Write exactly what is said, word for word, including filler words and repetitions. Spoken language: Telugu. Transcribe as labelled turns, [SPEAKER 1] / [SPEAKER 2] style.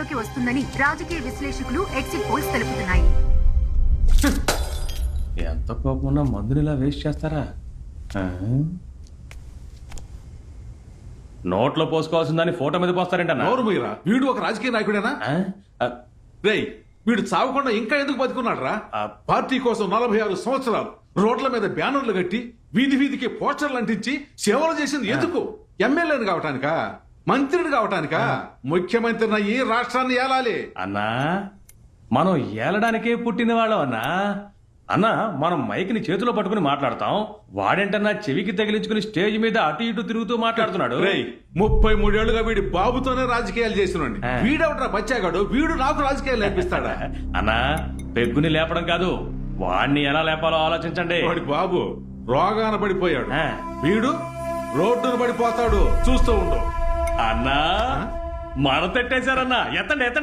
[SPEAKER 1] అధికారంలోకి వస్తుందని రాజకీయ విశ్లేషకులు ఎగ్జిట్ పోల్స్ తెలుపుతున్నాయి.
[SPEAKER 2] ఎంత కోపం ఉన్నా మందుని ఇలా వేస్ట్ చేస్తారా? నోట్లో పోసుకోవాల్సిందని ఫోటో మీద పోస్తారేంటన్నా?
[SPEAKER 3] నోరు మీరా, వీడు ఒక రాజకీయ నాయకుడేనా? రేయ్, వీడు చావకుండా ఇంకా ఎందుకు బతుకున్నాడు రా? పార్టీ కోసం నలభై ఆరు సంవత్సరాలు రోడ్ల మీద బ్యానర్లు కట్టి వీధి వీధికి పోస్టర్లు అంటించి సేవలు చేసింది ఎందుకు? ఎమ్మెల్యేని కావటానికా? మంత్రిని కావటానికా? ముఖ్యమంత్రిని ఈ రాష్ట్రాన్ని ఏలాలి
[SPEAKER 2] అన్నా. మనం ఏలడానికే పుట్టిన వాళ్ళం అన్నా. అన్నా, మనం మైక్ని చేతిలో పట్టుకుని మాట్లాడతాం, వాడేంటన్నా చెవికి తగిలించుకుని స్టేజ్ మీద అటు ఇటు తిరుగుతూ మాట్లాడుతున్నాడు.
[SPEAKER 3] రేయ్, ముప్పై మూడేళ్లుగా వీడి బాబుతోనే రాజకీయాలు చేస్తున్నాడు. వీడెవట్రా బచ్చాగాడు? వీడు నాకు రాజకీయాలు నేర్పిస్తాడా?
[SPEAKER 2] అన్నా, పెగ్గుని లేపడం కాదు, వాడిని ఎలా లేపాలో ఆలోచించండి.
[SPEAKER 3] వాడి బాబు రోగాన పడిపోయాడు, వీడు రోడ్డును పడిపోతాడు. చూస్తూ ఉండు.
[SPEAKER 2] అన్నా, మన తెట్టేశారన్నా. ఎత్తండి ఎత్తండి.